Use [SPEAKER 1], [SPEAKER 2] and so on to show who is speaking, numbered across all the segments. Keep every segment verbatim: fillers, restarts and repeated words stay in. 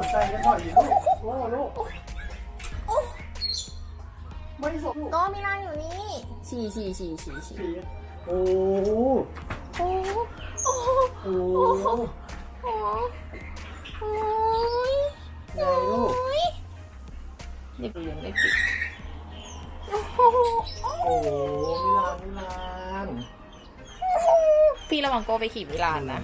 [SPEAKER 1] นใจกันหน่อยลูกโอ้ลูกไม่สน
[SPEAKER 2] ก็มิลานอยู่นี่ฉี่ฉี่ฉี่ฉี่ฉี่
[SPEAKER 1] โอ้
[SPEAKER 2] โอ้โอ้โอ้โอ้โอ้โอ้ย
[SPEAKER 1] ไงลูก
[SPEAKER 2] นี่เปลี่ยนไม่ปิดโอ้โห
[SPEAKER 1] โอ้มิลานมิลาน
[SPEAKER 2] พี่ระวังโก้ไปขี่มิลานนะ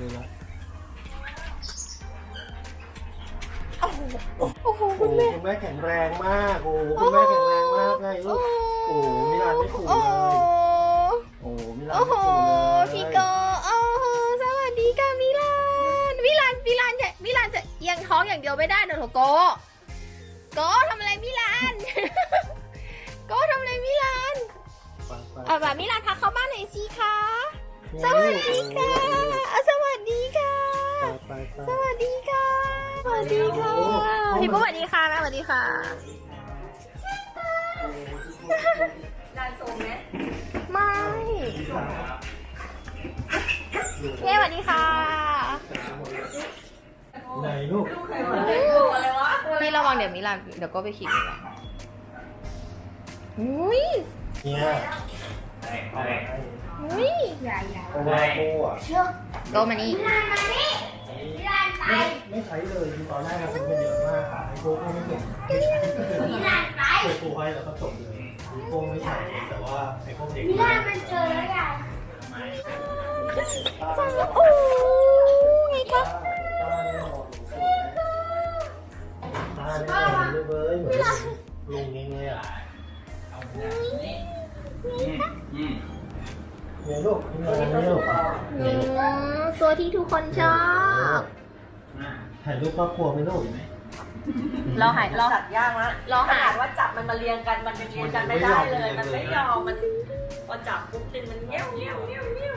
[SPEAKER 2] โอ้โหโอ้โหคุณแม่
[SPEAKER 1] คุณแม่แข็งแรงมากโอ้คุณแม่แข็งแรงมากไงลูกโอ้มิลานไม่ขู่เลยโอ้มิลานไม่ขู่เลย
[SPEAKER 2] พี่โก้โอ้สวัสดีค่ะมิลานมิลานมิลานจะมิลานจะเอียงท้องอย่างเดียวไม่ได้นะโถโก้โก้ทำอะไรมิลานโก้ทำอะไรมิลานเอาแบบมิลานพาเข้าบ้านหน่อยสิคะสวัสดีค่ะสวัสดีค่ะสวัสดีค่ะสวัสดีค่ะพี่ปุ๊บสวัสดีค่ะแม่สวัสดีค่ะลานโซมไหมไม่เย้สวัสดีค่ะ
[SPEAKER 1] ไหนลูก
[SPEAKER 2] พี่ระวังเดี๋ยวมิลานเดี๋ยวก็ไปขี่มิลานอุ้ย
[SPEAKER 1] เนี่ย
[SPEAKER 2] อุ้ยใหญ่ใหญ่
[SPEAKER 1] เพราะว่าโก้อะ
[SPEAKER 2] โกมานี่มิลานมานี่มิลานไป
[SPEAKER 1] ไม่ใช้เลยคือตอนแรกเราซื้อมาเยอะมากค่ะไอโก้ก็ไม่ส่งไม่ใช้มิลานไปเปิดตัวไว้แล้วก็จบเลยโก้ไม่ใช้แต่ว่าไอโก้เด็ก
[SPEAKER 2] มิลานมันเจอแล้วใหญ่จ้าโอ้ไงคะ
[SPEAKER 1] ตาเนี่ยเลยเว้ยเหมือนลุงเงี้ยเนี่ยลูกเนี่ยลูก
[SPEAKER 2] ตัวที่ทุกคนชอบ
[SPEAKER 1] ถ่ายรูปครอบครัวไหมลูก
[SPEAKER 2] เราหายเรา
[SPEAKER 3] จัดยากนะ
[SPEAKER 2] เราหา
[SPEAKER 3] ว่าจับมันมาเรียงกันมันยังเรียงกันไม่ได้เลยมันไม่ยอมมันพอจับปุ๊บตินมันเงี้ยวเงี้ยวเงี้ยวเงี้ยว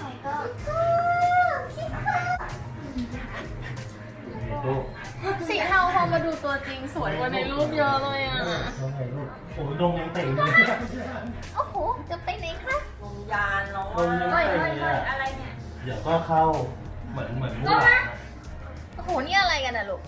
[SPEAKER 2] สีเทาพอมาดูตัวจริงสวยกว่าในรูปเยอะเลยอ่ะ
[SPEAKER 1] ถ่ายรูปโอ้ยดงยังเต่งเลย
[SPEAKER 2] โอ้โหจะไปไหนคะ
[SPEAKER 3] ลงยานเนาะ
[SPEAKER 2] อะไรเนี่ย
[SPEAKER 1] เดี๋ยวก็เข้าเหมือนเหมือนมูหลาน
[SPEAKER 2] โอ้โหนี่อะไรกันนะลูก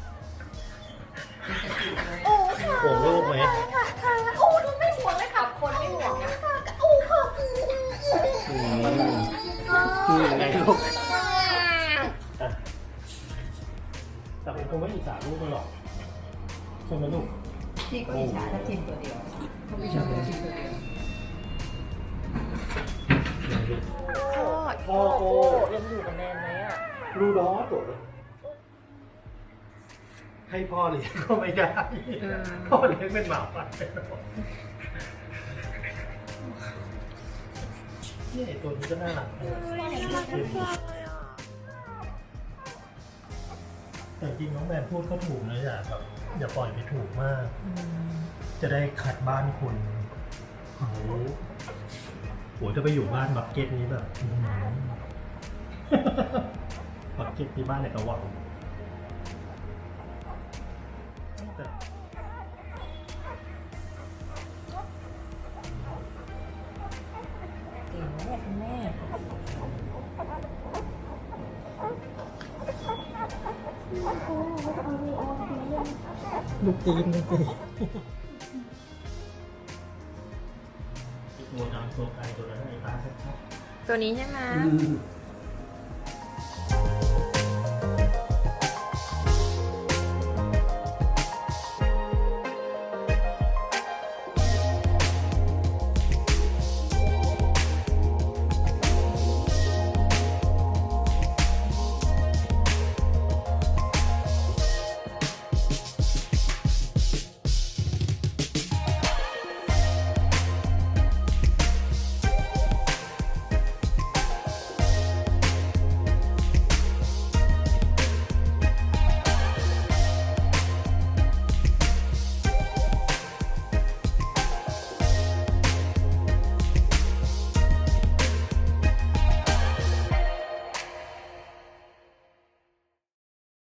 [SPEAKER 2] โอ้ค่ะ
[SPEAKER 1] ห่วงลูกไหม
[SPEAKER 2] ค่ะค่ะโอ้ดูไม่ห่วงเลยค่ะ
[SPEAKER 3] คนไม่ห่วงนะ
[SPEAKER 2] โอ้ค่ะ
[SPEAKER 1] อืมคือไงลูกแต่ผมคงไม่อิจฉาลูกมันหรอกใช่ไหมลูก
[SPEAKER 3] พี่ก็อิจฉาถ้าทีมตัวเดียวเขาไม่ชอบทีมตัวเดียว
[SPEAKER 1] พ่อโอ้
[SPEAKER 3] ยังอยู่กับแนนไหมอ่ะ
[SPEAKER 1] รูดอสตัวให้พ่อเลี้ยงก็ไม่ได้พ่อเลี้ยงเป็นหมาป่านี่ตัวนี้ก็น่ารักแต่จริงน้องแมนพูดก็ถูกนะอย่าแบบอย่าปล่อยไปถูกมากจะได้ขัดบ้านคุณโอ้โหโหจะไปอยู่บ้านบักเก็ตนี้แบบบักเก็ตที่บ้านในกระหว่าง
[SPEAKER 3] เก่งแม่คุณแม่
[SPEAKER 1] ลูกจีนลูกจีนตัวดำตัวไกลตัวนั้นไอ้ตาชัด
[SPEAKER 2] ตัวนี้ใช่ไหม